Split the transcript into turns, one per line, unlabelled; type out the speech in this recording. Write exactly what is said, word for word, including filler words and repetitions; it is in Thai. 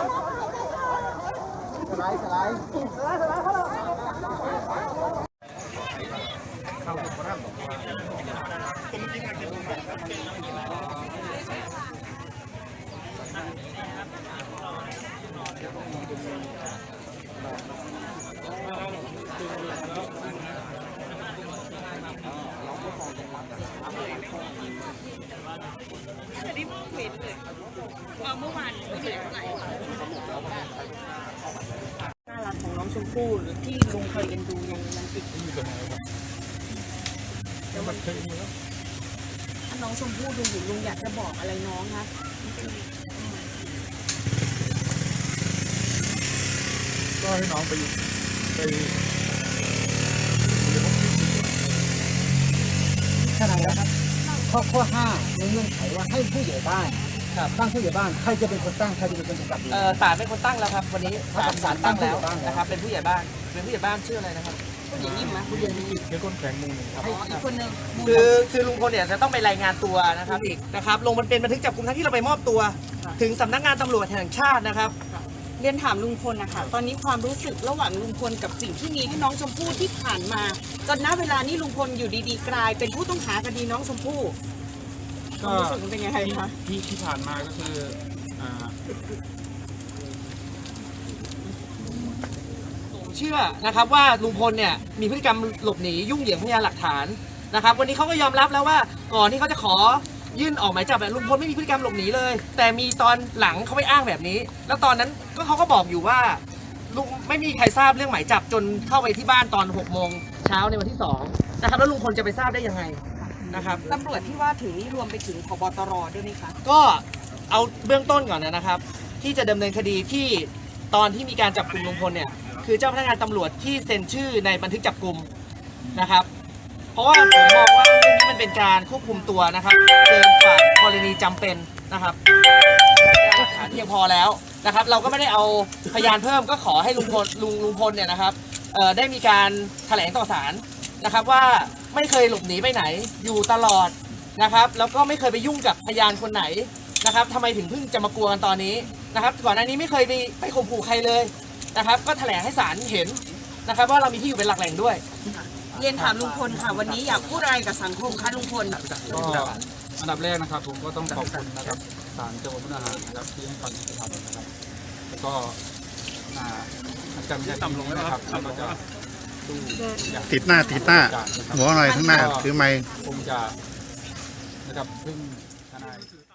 สไลด์สไลด์
จะได้มองเห็นเลยเมื่อวานไม่เหลือเท่าไหร่น่ารักของน้องชมพู่หรือที่ลุงเคยเอ็นดูยังยังติดอยู่ตรงไหนครับแล้วมันเคยมีแล้วถ้าน้องชมพู่ดูอยู่ลุงอยากจะบอกอะไรน้องคะ
ก็ให้น้องไปไป
ขนาดแล้วครับข้อข้อห้าในเงื่อนไขว่าให้ผู้ใหญ่บ้านตั้งผู้ใหญ่บ้านใครจะเป็นคนตั้งใครจะเป็นคนกำกับ
เออศาลเป็นคนตั้งแล้วครับวันนี้ศาลศาลตั้งแล้วนะครับเป็นผู้ใหญ่บ้านเป็นผู้ใหญ่บ้านชื่ออะไรนะครับ
ผู้ใหญ่นิ่มไหมผู้ใหญ่นิ่ม
เดี๋ยวคนแข็งมุมหนึ่งครับ
อีกคนนึง
คือคือลุงพลเนี่ยจะต้องไปรายงานตัวนะครับอีกนะครับลงมันเป็นบันทึกจับกุมทั้งที่เราไปมอบตัวถึงสำนักงานตำรวจแห่งชาตินะครับ
เรียนถามลุงพลนะคะตอนนี้ความรู้สึกระหว่างลุงพลกับสิ่งที่มีให้น้องชมพู่ที่ผ่านมาจนณเวลานี้ลุงพลอยู่ดีๆกลายเป็นผู้ต้องหาคดีน้องชมพู่ความรู้สึกมันเป็นยังไงคะ
ที่ที่ผ่านมาก็คืออ่า
เชื่อนะครับว่าลุงพลเนี่ยมีพฤติกรรมหลบหนียุ่งเหยิงพยานหลักฐานนะครับวันนี้เขาก็ยอมรับแล้วว่าก่อนที่เขาจะขอยื่นออกหมายจับลุงพลไม่มีพฤติกรรมหลบหนีเลยแต่มีตอนหลังเขาไปอ้างแบบนี้แล้วตอนนั้นก็เขาก็บอกอยู่ว่าลุงไม่มีใครทราบเรื่องหมายจับจนเข้าไปที่บ้านตอนหกโมงเช้าในวันที่สองนะครับแล้วลุงพลจะไปทราบได้ยังไงนะครับ
ตำรวจที่ว่าถึงนี่รวมไปถึงผบ.ตร.ด้วยไหมคะ
ก็เอาเบื้องต้นก่อนนะครับที่จะดำเนินคดีที่ตอนที่มีการจับกุมลุงพลเนี่ยคือเจ้าพนักงานตำรวจที่เซ็นชื่อในบันทึกจับกุมนะครับเพราะว่าผมมองว่าเรื่องนี้มันเป็นการควบคุมตัวนะครับเกินกว่ากรณีจำเป็นนะครับหลักฐานเพียงพอแล้วนะครับเราก็ไม่ได้เอาพยานเพิ่มก็ขอให้ลุงพลลุงลุงพลเนี่ยนะครับได้มีการแถลงต่อศาลนะครับว่าไม่เคยหลบหนีไปไหนอยู่ตลอดนะครับแล้วก็ไม่เคยไปยุ่งกับพยานคนไหนนะครับทำไมถึงเพิ่งจะมากลัวกันตอนนี้นะครับก่อนหน้านี้ไม่เคยไปไปข่มขู่ใครเลยนะครับก็แถลงให้ศาลเห็นนะครับว่าเรามีที่อยู่เป็นหลักแหล่งด้วย
เรียนถามลุงพลค่ะวันนี้อยากพูดอะไรกับสังคมคะลุงพล
ก็อันดับแรกนะครับผมก็ต้องขอบคุณนะครับศาลจังหวัดมุกดาหารนะครับที่ให้ความยุติธรรมนะครับแล้วก็อาจารย์ไม่ได้ตำลงนะครับเราก็จะ
ติดหน้าติดหน้าหัวหน่อยข้างหน้าถือไม้
คงจะนะครับพึ่งทนาย